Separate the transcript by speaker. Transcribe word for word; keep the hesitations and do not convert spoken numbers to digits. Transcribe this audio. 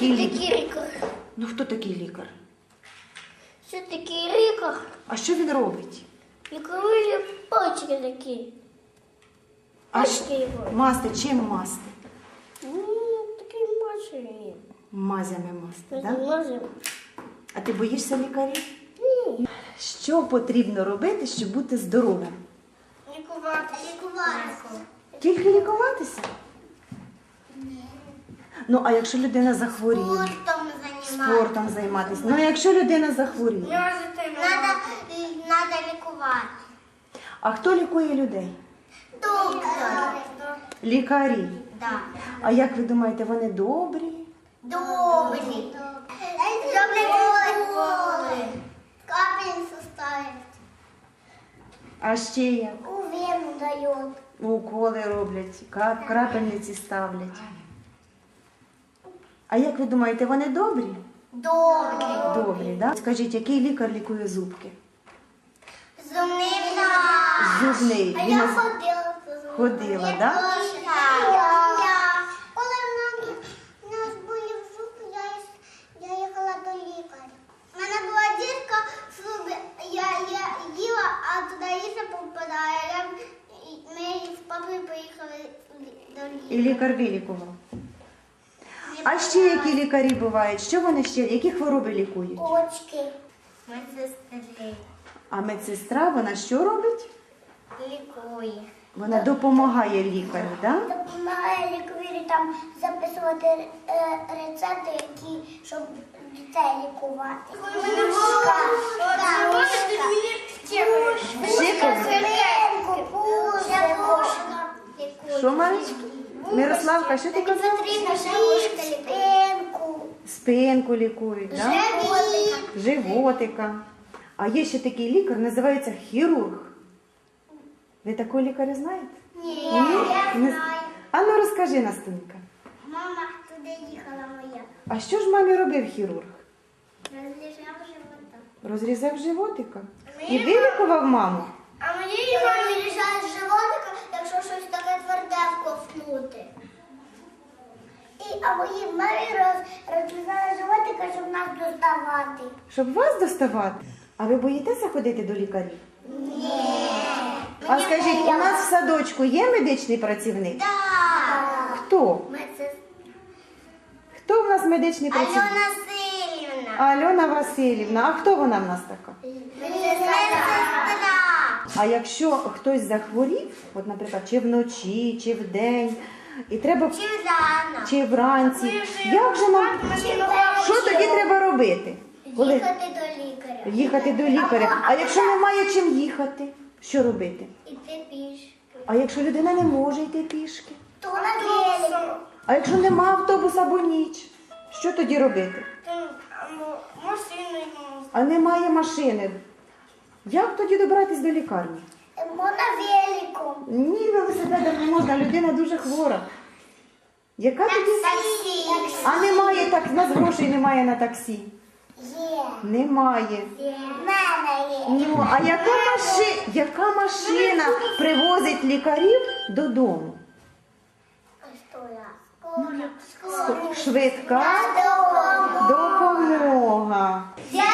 Speaker 1: такий лікар?
Speaker 2: лікар?
Speaker 1: Ну хто такий лікар?
Speaker 2: Що такий лікар?
Speaker 1: А що він робить?
Speaker 2: Лікує пальчики такі.
Speaker 1: А
Speaker 2: Пальчики його.
Speaker 1: масти, чим масти?
Speaker 2: Ну, такий машині.
Speaker 1: Мазями масти,
Speaker 2: Ми
Speaker 1: так? Да?
Speaker 2: можемо.
Speaker 1: А ти боїшся лікарів?
Speaker 2: Ні.
Speaker 1: Що потрібно робити, щоб бути здоровим?
Speaker 2: Лікувати. Лікувати.
Speaker 1: Тільки лікуватися?
Speaker 2: Ні.
Speaker 1: Ну, а якщо людина захворіє?
Speaker 2: Спортом займатися.
Speaker 1: Спортом займатися. Ну, а якщо людина захворіє?
Speaker 2: Надо, надо лікувати.
Speaker 1: А хто лікує людей?
Speaker 2: Доктор.
Speaker 1: Лікарі.
Speaker 2: Да.
Speaker 1: А як ви думаєте, вони добрі?
Speaker 2: Добрі. Добрі уколи. Капельницю ставить.
Speaker 1: А ще як?
Speaker 2: У вену дають.
Speaker 1: Уколи роблять, кап- крапельниці ставлять. А як ви думаєте, вони добрі?
Speaker 2: Добрі.
Speaker 1: Добрі, так? Да? Скажіть, який лікар лікує зубки?
Speaker 2: Зубний.
Speaker 1: Зубний.
Speaker 2: А
Speaker 1: Він
Speaker 2: я
Speaker 1: нас-
Speaker 2: ходила по зубам.
Speaker 1: Ходила,
Speaker 2: Я
Speaker 1: да?
Speaker 2: теж. Я. Коли в нас, в нас болів зуб, я, їх- я їхала до лікаря. У мене була дірка в зубі, я, я їла, а туди їжа попадає. Я, ми з папою поїхали до лікаря.
Speaker 1: І лікар вилікував. А ще які лікарі бувають? Що вони ще? Які хвороби лікують?
Speaker 2: Очки. Медсестри.
Speaker 1: А медсестра, вона що робить?
Speaker 2: Лікує.
Speaker 1: Вона допомагає лікарю, так? Да?
Speaker 2: Допомагає лікарі там записувати е, рецепти, які, щоб дітей лікувати.
Speaker 1: Що, Марічка? Мирославка, що ти казала?
Speaker 2: Спинку.
Speaker 1: Спинку лікують, так? Да? Животика. А є ще такий лікар, називається хірург. Ви такого лікаря знаєте?
Speaker 2: Ні, я
Speaker 1: Не-
Speaker 2: знаю.
Speaker 1: А ну розкажи, Настунька.
Speaker 2: Мама туди їхала моя.
Speaker 1: А що ж мамі робив хірург?
Speaker 2: Розлежав живота.
Speaker 1: Розрізав животика? І вилікував маму?
Speaker 2: А моїй мамі лежать животика, якщо щось таке тверде вковтнути. І, а моїй мамі роз, розрізали животика, щоб нас доставати.
Speaker 1: Щоб вас доставати? А ви боїтеся ходити до лікарів?
Speaker 2: Ні.
Speaker 1: А скажіть, у нас в садочку є медичний працівник?
Speaker 2: Так.
Speaker 1: Хто?
Speaker 2: Медсестра.
Speaker 1: Хто в нас медичний працівник?
Speaker 2: Альона Силівна.
Speaker 1: Альона Васильівна. А хто вона в нас така?
Speaker 2: Медсестра.
Speaker 1: А якщо хтось захворів, от, наприклад, чи вночі, чи вдень, і треба
Speaker 2: Чи рано.
Speaker 1: чи вранці, як же нам що тоді треба робити? Коли
Speaker 2: Їхати до лікаря.
Speaker 1: їхати до лікаря? А якщо немає чим їхати, що робити?
Speaker 2: Іти пішки.
Speaker 1: А якщо людина не може йти пішки?
Speaker 2: То на велику.
Speaker 1: А якщо нема автобуса або ніч, що тоді робити?
Speaker 2: Машиною.
Speaker 1: А немає машини. Як тоді добратися до лікарні?
Speaker 2: Мо на велику.
Speaker 1: Ні, велосипедом не можна, людина дуже хвора. Яка тоді?
Speaker 2: Таксі.
Speaker 1: А немає так, у нас грошей немає на таксі.
Speaker 2: Є.
Speaker 1: Немає.
Speaker 2: Є. В мене є.
Speaker 1: Ну, а яка, маши... яка машина привозить лікарів додому?
Speaker 2: Скоро.
Speaker 1: Швидка допомога.
Speaker 2: Дякую.